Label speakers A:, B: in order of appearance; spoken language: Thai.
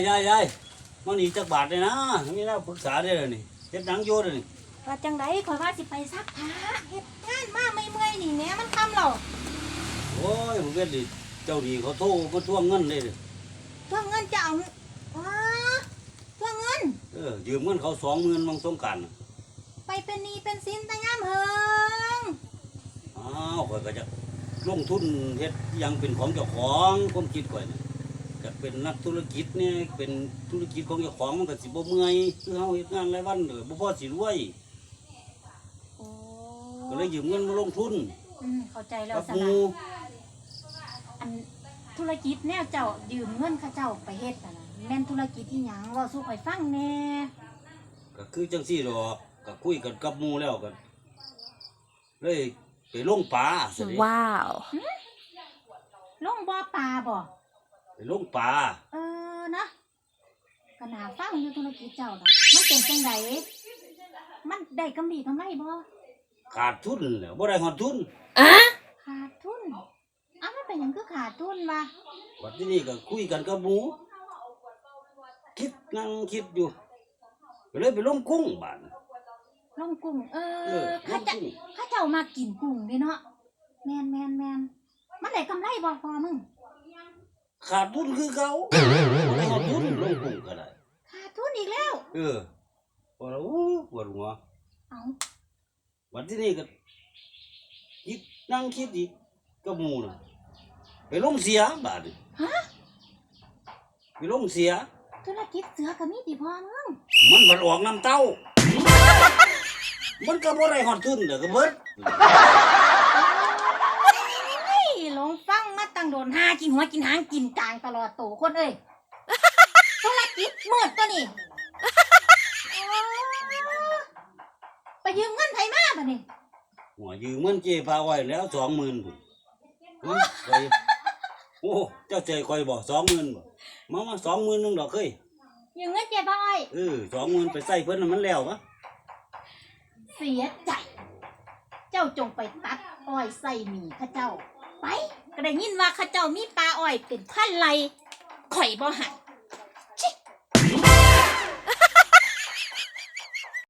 A: ยายมันนี่จักบาทเลยนะมีน่าปรึกษาได้เลยนี่เฮ็ดหนังโยเลยนี่
B: ว่าจังไดข่อยว่าสิไปซักผ้าเฮ็ดงานมาไม่เมื่อยนี่แหน่มันค่ำแล้ว
A: โอ้ยผมเฮ็ดดิเจ้าดีเขาโทรมาทวงเงินเลย
B: ทวงเงินจะเอาทวงเงิน
A: ยืมเงินเขา20,000บางสงกรานต์
B: ไปเป็นหนี้เป็นสินแต่งามเฮิง
A: ข่อยก็จะลงทุนเฮ็ดยังเป็นของเจ้าของความคิดข่อยนี่ก็เป็นนักธุรกิจเนี่ยเป็นธุรกิจของเจ้าของมันก็สิบ่เมื่อยคือเฮาเฮ็ดงานรายวันบ่พอสิรวยก็เลยยืมเงินมาลงทุน
B: เข้าใจแล้วสนะอันธุรกิจแนวเจ้ายืมเงินเขาเจ้าไปเฮ็ดน่ะแม่นธุรกิจอีหยังเว้าสู่ข่อยฟังแน่
A: ก็คือจังซี่ดอกก็คุยกันกับหมู่แล้วกันเลยไปลงปลา
C: ว้าว
B: ลงบ่อปลาบ่
A: ไปลงปลา
B: นะก็น่าฟังอยู่ธุรกิจเจ้าน่ะมันเป็นจังไดมันได้กำไรบ่
A: ขาดทุนแล้วบ่ได้ฮอดทุน
B: ขาดทุนมันเป็นหยังคือขาดทุนวะ
A: วันที่นี่ก็คุยกันกับหมู่นั่งคิดอยู่ก็เลยไปลงกุ้งบ้าน
B: ลงกุ้งข้าเจ้ามากินกุ้งเด้เนาะแม่นมันได้กำไรบ่พอมึง
A: ขาดทุนคือเก่าไม่ฮอดทุนลงกุ้งก็ได้
B: ขาดทุนอีกแล้ว
A: พอแล้วปวดหัววันที่นี่ก็คิดนั่งคิดอีกกับหมู่น่ะไปลงเสียบาดไปลงเสีย
B: ธุรกิจเสือก็มีติพอมึง
A: มันบ่ออกน้ำเต้ามันก็บ่ได้ฮอดทุนเด้อก็เบิด
B: ลงฟังมาตั้งโดนหากินหัวกินหางกินกลางตลอดโตคนเอ้ยธุรกิจมืดตัวนี้ไปยืมเงินไผมาบัดนี้
A: หัวยืมเงินเจ๊พาไว้แล้ว 20,000 พุ่นโอ้เจ้าใจข่อยบ่ 20,000 บ่มา 20,000 นึงดอกเคย
B: ยืมเงินเจ๊พาไว้
A: 20,000ไปใส่เพิ่นน่ะมันแล้วปะ
B: เสียใจเจ้าจงไปตัดอ้อยใส่หมีข้าเจ้าไปก็ได้ยินว่าข้าเจ้ามีปลาอ้อยเป็นพันไร่ข่อยบ่หัก